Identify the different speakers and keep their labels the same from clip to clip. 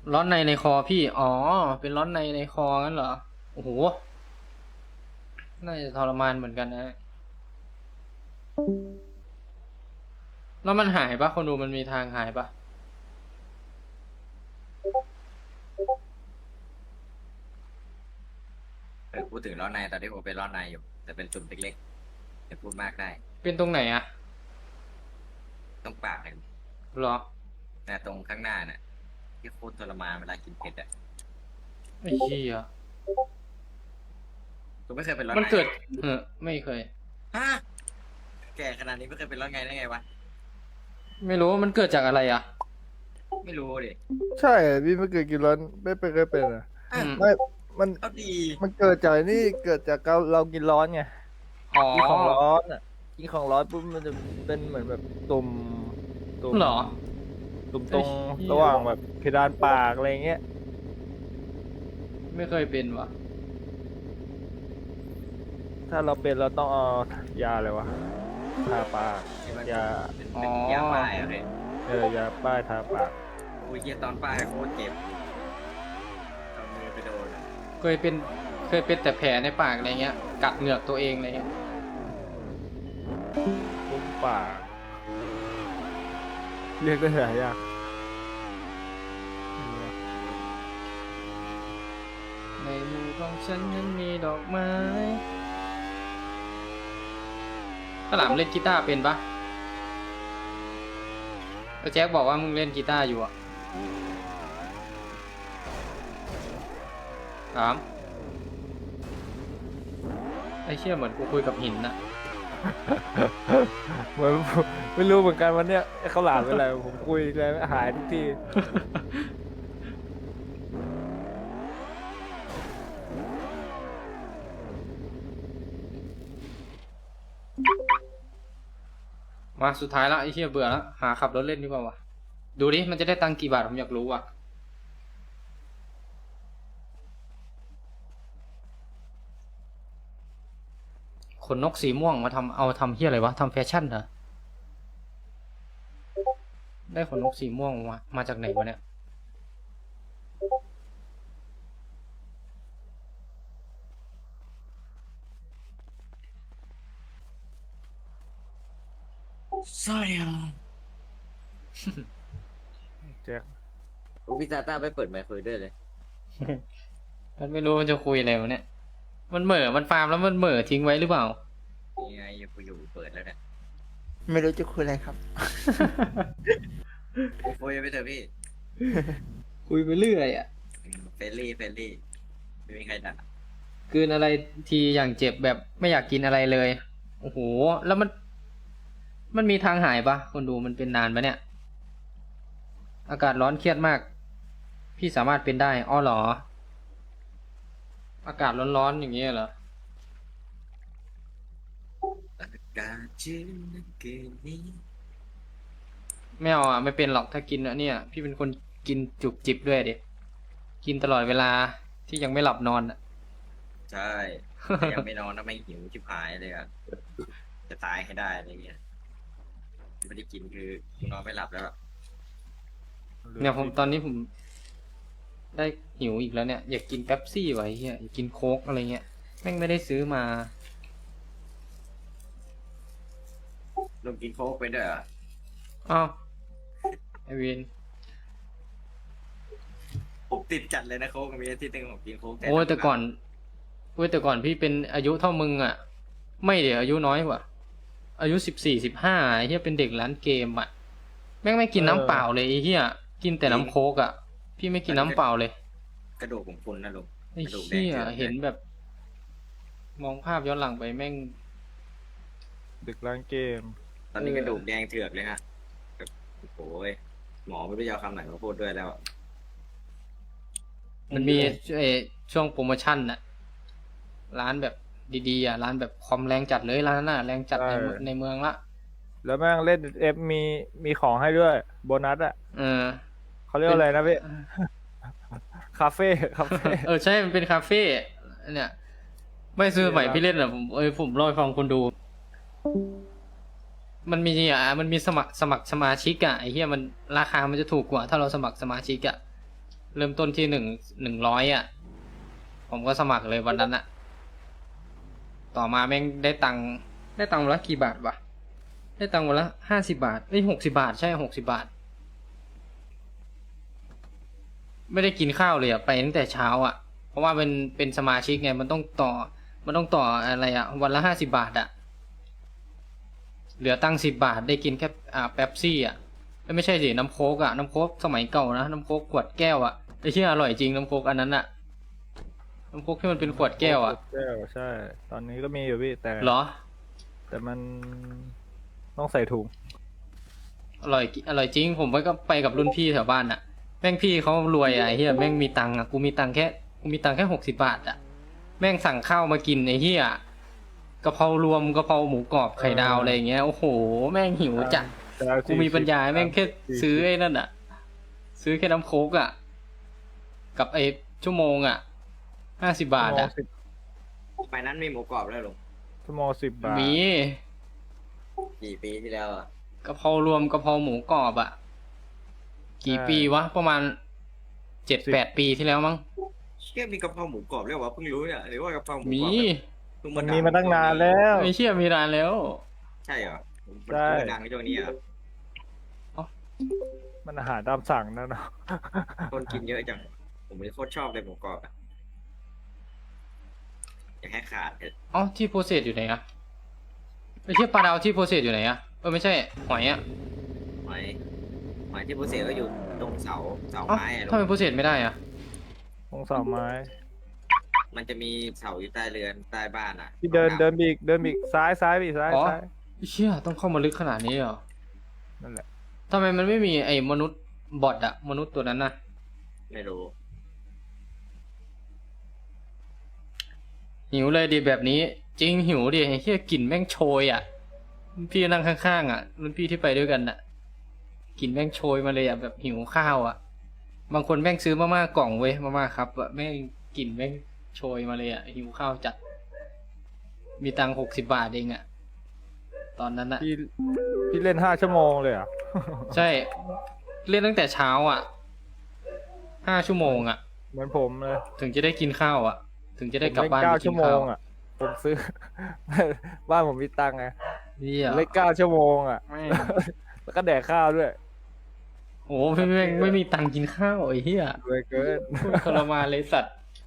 Speaker 1: ร้อนในในคอพี่อ๋อเป็นร้อนในในคองั้นเหรอโอ้โหน่าจะทรมานเหมือนกันนะแล้วมันหายปะคนดูมันมีทางหายปะ
Speaker 2: พูดถึงร้อนในตอนที่ผมเป็นร้อนในอยู่แต่เป็นจุ่มเล็กๆจะพูดมากได้
Speaker 1: เป็นตรงไหนอะ
Speaker 2: ต้องปากเลย
Speaker 1: เหรอ
Speaker 2: นะตรงข้างหน้าน่ะที่โคตรทรมานเวลากินเผ็ดอ่ะ
Speaker 1: ไอ้เหี้ย
Speaker 2: คุณไม่เคยเป็นร้อนใน
Speaker 1: มันเกิดไม่เคย
Speaker 2: ฮะแก่ขนาดนี้ไม่เคยเป็นร้อนในได้ไงวะ
Speaker 1: ไม่รู้ว่ามันเกิดจากอะไรอะ
Speaker 2: ไม่รู้ดิ
Speaker 3: ใช่พี่ไม่เคยกินร้อนไม่เคยเป็นอ่ะ
Speaker 2: อ่ะ
Speaker 3: ไม่มัน
Speaker 2: เอาดี
Speaker 3: มันเกิดจากนี่เกิดจากเรากินร้อนไง
Speaker 1: อ๋อ
Speaker 3: กินของร้อนอ่ะกินของร้อนปุ๊บมันจะเป็นเหมือนแบบตุ่ม
Speaker 1: เหรอ
Speaker 3: ตุ่มต
Speaker 1: ไอ้
Speaker 3: รง
Speaker 1: เหี้ย
Speaker 3: ระหว่างแบบเพดานปากอะไรเงี้ย
Speaker 1: ไม่เคยเป็นวะ
Speaker 3: ถ้าเราเป็นเราต้องเอายาอะไรวะทาปาก
Speaker 2: ที่มัน
Speaker 3: ยา
Speaker 2: เป็นยาป้ายอะเลย
Speaker 3: ยาป้ายทาปาก
Speaker 2: โอ้ยเยี่ยตอนป้ายโคตรเจ็บเอามือไปโดนอะ
Speaker 1: เคยเป็นเคยเป็นแต่แผลในปากอะไรเงี้ยกัดเหงือกตัวเองอะไรเงี้ย
Speaker 3: ปุ้มปากเรียกได้หลายอย่าง
Speaker 1: ในมือของฉันนั้นมีดอกไม้ข้าวหลามเล่นกีตาร์เป็นปะแล้วแจ็คบอกว่ามึงเล่นกีตาร์อยู่อ่ะถามไอ้เชี่ยเหมือนกูคุยกับหินน่ะ
Speaker 3: เหมือนไม่รู้เหมือนกันวันเนี้ยเขาหลามเป็นอะไรผมคุยอะไรหายทุกที
Speaker 1: มาสุดท้ายละไอ้เชี่ยเบื่อแล้วหาขับรถเล่นดีกว่าวะดูดิมันจะได้ตังค์กี่บาทผมอยากรู้ว่ะขนนกสีม่วงมาทำเอาทำเฮียอะไรวะทำแฟชั่นเหรอได้ขนนกสีม่วงมาจากไหนวะเนี่ย
Speaker 2: ใช่อ่ะ
Speaker 3: แจ็ค
Speaker 2: โอ้พี่ตาต้าไปเปิดไมค์คุยด้วยเลย
Speaker 1: มันไม่รู้มันจะคุยอะไรวะเนี่ยมันเหม่อมันฟาร์มแล้วมันเหม่อทิ้งไว้หรือเปล่า
Speaker 2: นี่ไงอยู่เปิดแล้วเนี่ย
Speaker 4: ไม่รู้จะคุยอะไรครับ
Speaker 2: คุยไปเถอะพี่
Speaker 1: คุยไปเรื่อยอ่ะ
Speaker 2: เฟรนลี่ไม่มีใครด่า
Speaker 1: กลืนอะไรทีอย่างเจ็บแบบไม่อยากกินอะไรเลยโอ้โหแล้วมันมีทางหายปะคนดูมันเป็นนานปะเนี่ยอากาศร้อนเครียดมากพี่สามารถเป็นได้อ้อเหรออากาศร้อนๆอย่างเงี้ยเหรอ
Speaker 2: อากาศชื้นเหลือเกินนี้
Speaker 1: ไม่เอาอ่ะไม่เป็นหรอกถ้ากินอะเนี่ยพี่เป็นคนกินจุบจิบด้วยดิกินตลอดเวลาที่ยังไม่หลับนอนอ่ะ
Speaker 2: ใช่แต่ยังไม่นอนถ้าไม่หิวชิบหายเลยอ่ะจะตายให้ได้อะไรเงี้ยไม่ได้กินคือกูนอนไม่หลับแล้วอะ
Speaker 1: เนี่ยผมตอนนี้ผมได้หิวอีกแล้วเนี่ยอยากกินเป๊ปซี่ไว้เฮียอยากกินโค้กอะไรเงี้ยแม่งไม่ได้ซื้อมา
Speaker 2: ลงกินโค้กไปด้วยเหรอ
Speaker 1: อ้าวไอวิน
Speaker 2: ผมติดจัดเลยนะโค้กมีอาทิตย์หนึงผมกินโค้ก
Speaker 1: โอ้ยแต่ก่อนโอ้ยแต่ก่อนพี่เป็นอายุเท่ามึงอ่ะไม่เดี๋ยวอายุน้อยกว่าอายุ14 15ไอ้เฮียเป็นเด็กร้านเกมอ่ะแม่งไม่กินน้ำเปล่าเลยไอ้เฮียกินแต่น้ำโค้กอ่ะพี่ไม่กินน้ำเปล่าเลย
Speaker 2: กระดูกผมพุนนะลุง
Speaker 1: ไอ้
Speaker 2: กระดูกแด
Speaker 1: เฮีย
Speaker 2: งเถือกเลย
Speaker 1: เห็นแบบมองภาพย้อนหลังไปแม่ง
Speaker 3: ดึกล้างเกม
Speaker 2: ตอนนี้กระดูกแดงเถือกเลยฮะแบบโอ้ยหมอไม่รู้จะเอาคำไหนมาพูดด้วยแล้วอะ
Speaker 1: มันมีช่วงโปรโมชั่นน่ะร้านแบบดีๆอ่ะร้านแบบคอมแรงจัดเลยร้านนั้นน่ะแรงจัดในเมืองละ
Speaker 3: แล้วแม่งเล่นเอฟมีของให้ด้วยโบนัสอ่ะ
Speaker 1: เออ
Speaker 3: เขาเรียกอะไรนะพี่คาเฟ่คาเฟ่
Speaker 1: ใช่มันเป็นคาเฟ่เนี่ยไม่ซื้อใหม่พี่เล่นอ่ะผมเล่าให้ฟังคนดู มันมีสมัครสมาชิกอ่ะไอ้เหี้ยมันราคามันจะถูกกว่าถ้าเราสมัครสมาชิกอ่ะเริ่มต้นที่100อ่ะ ผมก็สมัครเลยวันนั้นอะต่อมาแม่งได้ตังค์วันละกี่บาทวะได้ตังค์วันละ50 บาท60 บาทใช่60 บาท ไม่ได้กินข้าวเลยอะไปตั้งแต่เช้าอะเพราะว่าเป็นสมาชิกไงมันต้องต่ออะไรอะวันละ50 บาทอะเหลือตังค์10 บาทได้กินแค่เป๊ปซี่อะไม่ใช่สิน้ำโค้กอะน้ำโค้กสมัยเก่านะน้ำโค้กขวดแก้วอะไอ้เชี่ยอร่อยจริงน้ำโค้กอันนั้นอะน้ำโค้กที่มันเป็นขวดแก้วอะ
Speaker 3: แก้วใช่ ตอนนี้ก็มีอยู่พี่แต่
Speaker 1: เหรอ
Speaker 3: แต่มันต้องใส่ถุง
Speaker 1: อร่อยจริงผมก็ไปกับรุ่นพี่แถวบ้านอะแม่งพี่เขารวยอะไอ้เหี้ยแม่งมีตังค์อะกูมีตังค์แค่60 บาทอะแม่งสั่งข้าวมากินไอ้เหี้ยกะเพรารวมกะเพราหมูกรอบไข่ดาวอะไรอย่างเงี้ยโอ้โหแม่งหิวจัดกูมีปัญญาแม่งแค่ซื้อไอ้นั่นอะซื้อแค่น้ำโค้กอะกับไอ้ชั่วโมงอะ50 บาทอะ
Speaker 2: ไปนั้นมีหมูกรอบแล้วลุง
Speaker 3: ชั่วโมง10 บาท
Speaker 1: มี
Speaker 2: กี่ปีที่แล้วอ่ะ
Speaker 1: กะเพรารวมกะเพราหมูกรอบอะกี่ปีวะประมาณ7-8 ปีที่แล้วมั้ง
Speaker 2: เชื่อมีกะเพราหมูกรอบแล้ววะเพิ่งรู้เนี่ยหรือว่ากะเพราหมูกรอบ
Speaker 1: มี
Speaker 2: เพิ่ง
Speaker 3: มัน
Speaker 2: ดั
Speaker 3: มีมาตั้งนานแล้ว
Speaker 1: ไม่เชื่อมีนานแล้ว
Speaker 2: ใช่เหรอมัน
Speaker 3: ใช่
Speaker 2: เพิ่งดังในช่วงนี้เหรอ
Speaker 3: มันอาหารตามสั่งนะเนาะ
Speaker 2: คนกินเยอะจังผมเลยโคตรชอบเลยหมูกรอบอะอย่าให้ขาดเถอะ
Speaker 1: อ๋อที่โปรเซสอยู่ไหนอะไอ้เชี่ยปลาดาวที่โปรเซสอยู่ไหนอะไม่ใช่หอยอะ
Speaker 2: หมายหมายที่ผู้เสียก็อยู่ตรงเสา
Speaker 1: อ๋อ
Speaker 2: ไม้อะ
Speaker 1: ทำไมโปรเซสไม่ได้อะ
Speaker 3: ตรงเสาไม้
Speaker 2: มันจะมีเสาอยู่ใต้เรือนใต้บ้านอ่ะ
Speaker 3: พี่เดินบีกซ้ายบีกซ้าย
Speaker 1: อ๋อ
Speaker 3: ซ้าย
Speaker 1: ไอ้เชี่ยต้องเข้ามาลึกขนาดนี้เหรอ
Speaker 3: นั่นแหละ
Speaker 1: ทำไมมันไม่มีไอ้มนุษย์บอทอะมนุษย์ตัวนั้นน่ะ
Speaker 2: ไม่รู้
Speaker 1: หิวเลยดิแบบนี้ จริงหิวดิไอ้เชี่ยกลิ่นแม่งโชยอะรุ่นพี่นั่งข้างๆอะรุ่นพี่ที่ไปด้วยกันอะกลิ่นแม่งโชยมาเลยอะแบบหิวข้าวอะบางคนแม่งซื้อมาม่ากล่องเว้ยมาม่าครับอะแม่งกลิ่นแม่งโชยมาเลยอะหิวข้าวจัด มีตังค์60 บาทเองอะตอนนั้นอะ
Speaker 3: พี่เล่น5 ชั่วโมงเลยเหรอ่ะ
Speaker 1: ใช่ เล่นตั้งแต่เช้าอะ5 ชั่วโมงอะ
Speaker 3: เหมือนผมเลย
Speaker 1: ถึงจะได้กินข้าวอะถึงจะได้กลับ
Speaker 3: ผม
Speaker 1: บ้าน
Speaker 3: เล่น
Speaker 1: ไป
Speaker 3: 9
Speaker 1: กิ
Speaker 3: ชั่
Speaker 1: น
Speaker 3: วโม
Speaker 1: ข้าว
Speaker 3: งอ่ะ ผมซื้อ บ้านผมมีตังค์ไง
Speaker 1: นี่อะ
Speaker 3: เล่น9 ชั่วโมงอ่ะ
Speaker 1: แม่ง
Speaker 3: แล้วก็แดกข้าวด้วย
Speaker 1: โอ้พี่แม่งไม่มีตังค์กินข้าวไอ้เหี้ย
Speaker 3: รวยเกิน
Speaker 1: โคตรทรมานเลยสัตว์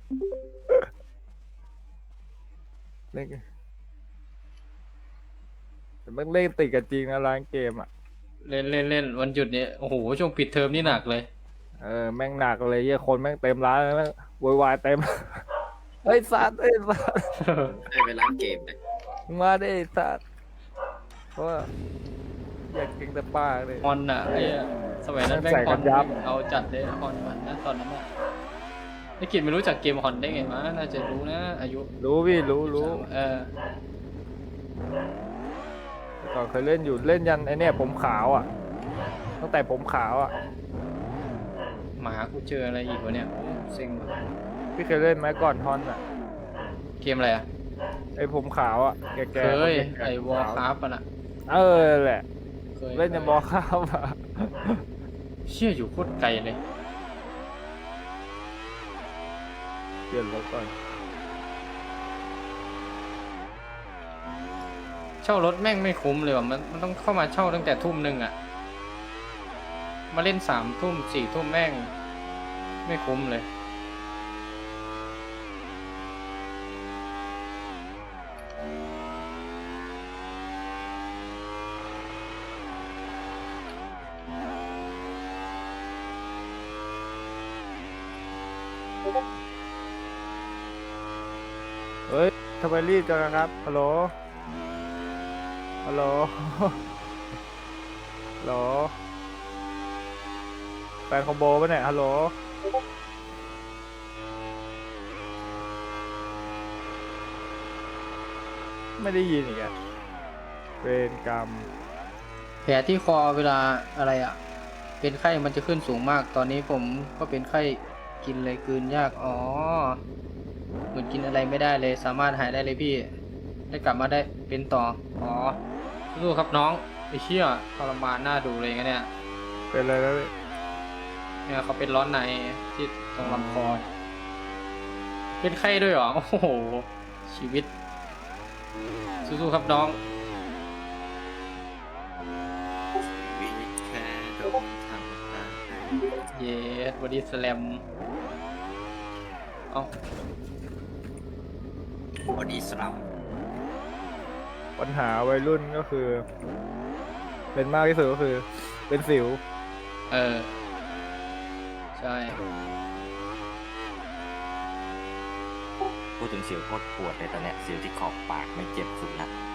Speaker 3: เล่นแต่มันเล่นติดกันจริงนะร้านเกมอ่ะ
Speaker 1: เล่นวันหยุดเนี่ยโอ้โหช่วงปิดเทอมนี่หนักเลย
Speaker 3: แม่งหนักเลยเหี้ยคนแม่งเต็มร้านเลยแม่งโวยวายเต็ม เฮ้ยสัตว์เฮ้ยสัตว์
Speaker 2: ได้ไปร้านเกมเลย
Speaker 3: มึงมาได้ไอ้สัตว์เพราะว่าอยากเก่งแต่ปากเลย
Speaker 1: ฮอนอ่ะไอ้เหี้ยสมัยนั้นแม่ง
Speaker 3: ใส่
Speaker 1: ฮ
Speaker 3: กั
Speaker 1: อน
Speaker 3: นยับ
Speaker 1: เอาจัดเลยฮอนมันนะตอนนั้นอะไอ้กิจไม่รู้จักเกมฮอนได้ไงมะน่าจะรู้นะอายุ
Speaker 3: รู้พี่รู้
Speaker 1: เออ
Speaker 3: แต่ก่อนเคยเล่นอยู่เล่นยันไอเนี่ยผมขาวอ่ะ ตั้งแต่ผมขาวอ่ะ
Speaker 1: หมากูเจออะไรอีกวะเนี่ยโอ้เซ็งว่ะ
Speaker 3: พี่เคยเล่นไหมก่อนฮอนอ่ะ
Speaker 1: เกมอะไรอ่ะ
Speaker 3: ไอผมขาวอ่ะแก่ๆ
Speaker 1: เคย
Speaker 3: แก่ๆ
Speaker 1: ไอ้วอลคราฟอ่ะนะ
Speaker 3: แหละ
Speaker 1: เคย
Speaker 3: เล่นยันบอลข้าวอ่ะ
Speaker 1: เชี่ยอยู่โคตรไกลเลย
Speaker 3: เปลี่ยนรถก่อน
Speaker 1: เช่ารถแม่งไม่คุ้มเลยว่ะมันต้องเข้ามาเช่าตั้งแต่ทุ่มหนึ่งอ่ะ มาเล่น3 ทุ่ม4 ทุ่มแม่ง ไม่คุ้มเลย
Speaker 3: เฮ้ยทำไมรีบจังอะครับฮัลโหลฮัลโหล ฮัลโหลแฟนคอมโบปะเนี่ยฮัลโหลไม่ได้ยินอีกอะเวรกรรม
Speaker 1: แผลที่คอเวลาอะไรอ่ะ เป็นไข้มันจะขึ้นสูงมาก ตอนนี้ผมก็เป็นไข้กินเลยกลืนยาก อ๋อ เหมือนกินอะไรไม่ได้เลย สามารถหายได้เลยพี่ ได้กลับมาได้เป็นต่อ อ๋อสู้ครับน้องไอ้เชี่ยทรมานน่าดูเลยงั้นเนี่ย
Speaker 3: เป็นอะไรแล้วพี่
Speaker 1: เนี่ยเขาเป็นร้อนในที่ตรงลำคอเป็นไข้ด้วยเหรอโอ้โหชีวิตสู้ๆครับน้อง
Speaker 2: วิแค่โดนทำตา
Speaker 1: เยสบอดี้สแลมเอา
Speaker 2: บอดี้สลัม
Speaker 3: ปัญหาวัยรุ่นก็คือ เป็นมากที่สุดก็คือ เป็นสิว
Speaker 1: ใช่
Speaker 5: พูดถึงสิวโคตรปวดเลยตอนเนี้ยสิวที่ขอบปากไม่เจ็บสุดละ